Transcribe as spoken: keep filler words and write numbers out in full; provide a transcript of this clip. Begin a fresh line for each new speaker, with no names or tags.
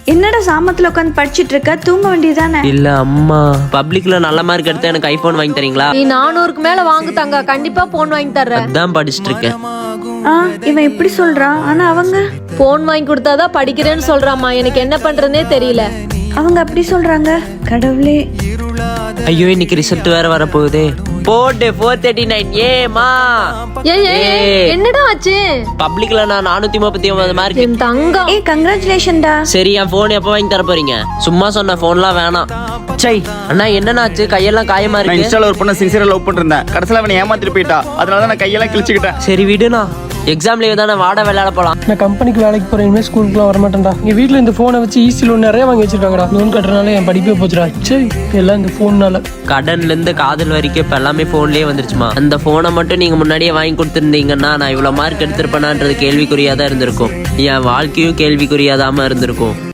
என்னடா சாமத்துல உட்காந்து படிச்சிட்டு இருக்க, தூங்க வேண்டியதானே?
இல்ல அம்மா, பப்ளிக்ல நல்ல மார்க் எடுத்தா எனக்கு ஐபோன் வாங்கி தரீங்களா?
நீ நானூறுக்கு மேல வாங்கு தங்க, கண்டிப்பா போன் வாங்கி தர்றேன்.
அதான் படிச்சிட்டு இருக்கேன்.
ஆ, இவன் இப்படி சொல்றான். ஆனா அவங்க
போன் வாங்கி கொடுத்தாதான் படிக்கிறேன்னு சொல்றாமா. எனக்கு என்ன பண்றதுனே தெரியல.
அவங்க அப்படி சொல்றாங்க. கடவுளே.
ஐயோ, இன்னைக்கு ரிசல்ட் வேற வர போகுதே. போட்டு ஃபோர் தேர்ட்டி நைன் ஏமா.
ஏய் ஏய், என்னடா ஆச்சு?
பப்ளிக்ல நான் நானூத்தி முப்பத்தி ஒன்பது மார்க்.
என் தங்கம்.
ஏய், கங்க்ராச்சுலேஷன்டா.
சரி, என் போன் எப்ப வாங்கி தர போறீங்க? சும்மா சொன்ன போன்லாம் வேணாம். சை அண்ணா, என்னன்னாச்சு? கையெல்லாம் காயமா
நான்
இருக்கு.
இன்ஸ்டால ஒரு பொண்ணை சின்சியரா லவ் பண்ணிருந்தேன். கடைசியில அவனை ஏமாத்திட்டு போயிட்டா. அதனால தான் நான் கையெல்லாம் கிழிச்சுக்கிட்டேன்.
சரி விடுண்ணா, எக்ஸாம் லீவ் தானே, வாட விளையாட போலாம்.
நான் கம்பெனிக்கு வேலைக்கு போறேன், இனிமேல் ஸ்கூலுக்குலாம் வரமாட்டேன்டா. எங்க வீட்டுல இந்த போனை வச்சு ஈஸி லோன் நிறைய வாங்கி வச்சிருக்காங்கடா. லோன் கட்டுறதுனால என் படிப்பே போச்சுடா. சரி, எல்லாம் இந்த போன்னால.
கடன்ல இருந்து காதல் வரைக்கும் இப்ப எல்லாமே போன்லயே வந்துருச்சுமா. அந்த போனை மட்டும் நீங்க முன்னாடியே வாங்கி கொடுத்துருந்தீங்கன்னா நான் இவ்வளவு மார்க் எடுத்திருப்பேனான்றது கேள்விக்குறியாதான் இருந்திருக்கும். என் வாழ்க்கையும் கேள்விக்குறியாதாம இருந்திருக்கும்.